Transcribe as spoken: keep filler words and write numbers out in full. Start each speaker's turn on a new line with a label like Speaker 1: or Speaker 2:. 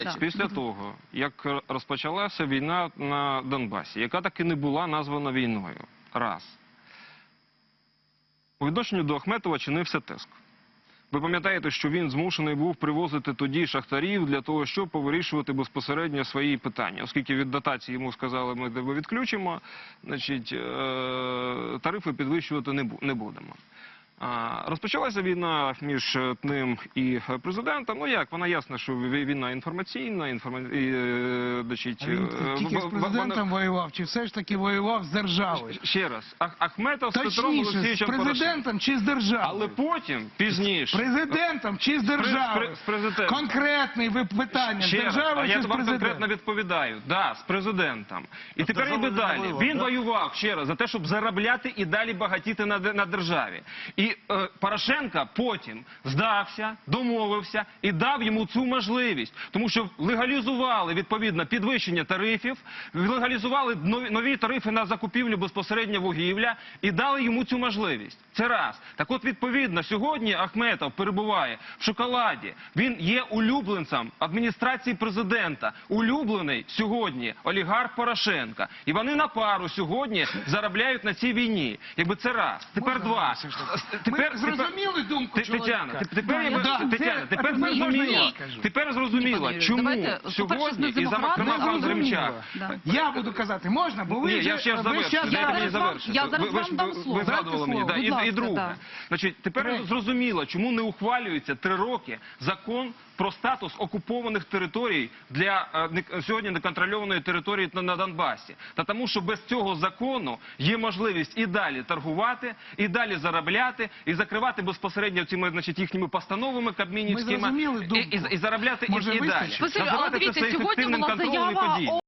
Speaker 1: Так.
Speaker 2: Після того, як розпочалася війна на Донбасі, яка таки не була названа війною, раз, у відношенню до Ахметова чинився тиск. Ви пам'ятаєте, що він змушений був привозити тоді шахтарів для того, щоб повирішувати безпосередньо свої питання. Оскільки від дотації йому сказали, ми тебе відключимо, значить, тарифи підвищувати не будемо. Розпочалася війна між ним і президентом. Ну як, вона ясна, що війна інформаційна, інформа... і, значить,
Speaker 3: він тільки з президентом вона... воював, чи все ж таки воював з державою?
Speaker 2: Ще раз, Ах Ахметов з Петром
Speaker 3: Олексійовичем
Speaker 2: Порошенком.
Speaker 3: З президентом чи з державою?
Speaker 2: Але потім, пізніше...
Speaker 3: З президентом чи з державою?
Speaker 2: З президентом.
Speaker 3: Конкретне питання, з державою чи з президентом?
Speaker 2: Я вам конкретно відповідаю. Да, з президентом. І тепер іде далі. Він воював, ще раз, за те, щоб заробляти і далі багатіти на, на державі. І е, Порошенко потім здався, домовився і дав йому цю можливість. Тому що легалізували, відповідно, підвищення тарифів, легалізували нові, нові тарифи на закупівлю безпосередньо вугілля і дали йому цю можливість. Це раз. Так от, відповідно, сьогодні Ахметов перебуває в шоколаді. Він є улюбленцем адміністрації президента. Улюблений сьогодні олігарх Порошенка. І вони на пару сьогодні заробляють на цій війні. Якби це раз. Тепер
Speaker 3: Можна
Speaker 2: два.
Speaker 3: Тепер, Ми зрозуміли думку чоловіка?
Speaker 2: Тетяна, тепер, да, Тетяна, тепер зрозуміло, тепер зрозуміло, чому
Speaker 1: Давайте,
Speaker 2: сьогодні, і зокрема пан Гримчак.
Speaker 1: Да.
Speaker 3: Я буду казати, можна? Бо ви
Speaker 2: Ні,
Speaker 3: вже,
Speaker 2: я ще ж
Speaker 3: ви
Speaker 2: завершу,
Speaker 3: ще
Speaker 2: дайте мені
Speaker 1: зараз
Speaker 2: завершити.
Speaker 1: я зараз
Speaker 2: Ви- ви
Speaker 1: вам
Speaker 2: ж-
Speaker 1: дам
Speaker 2: ви-
Speaker 1: слово.
Speaker 2: Ви згадували
Speaker 3: Дайте
Speaker 2: мені.
Speaker 3: слово,
Speaker 2: Да.
Speaker 1: будь
Speaker 2: І,
Speaker 1: ласка,
Speaker 2: і друге.
Speaker 1: да.
Speaker 2: Значить, тепер
Speaker 3: Третє.
Speaker 2: зрозуміло, чому не ухвалюється три роки закон про статус окупованих територій для е, не- сьогодні неконтрольованої території на, на Донбасі. Та тому, що без цього закону є можливість і далі торгувати, і далі заробляти, і закривати безпосередньо цими, значить, їхніми постановами кабмінівськими,
Speaker 3: зрозуміли
Speaker 2: і,
Speaker 3: думку.
Speaker 2: і, і заробляти
Speaker 3: Може,
Speaker 2: і, і далі.
Speaker 3: вистачить?
Speaker 1: Спасибі, але
Speaker 2: Називати це
Speaker 1: дивіться, сьогодні
Speaker 2: ефективним
Speaker 1: була
Speaker 2: контролем і
Speaker 1: заява
Speaker 2: подій.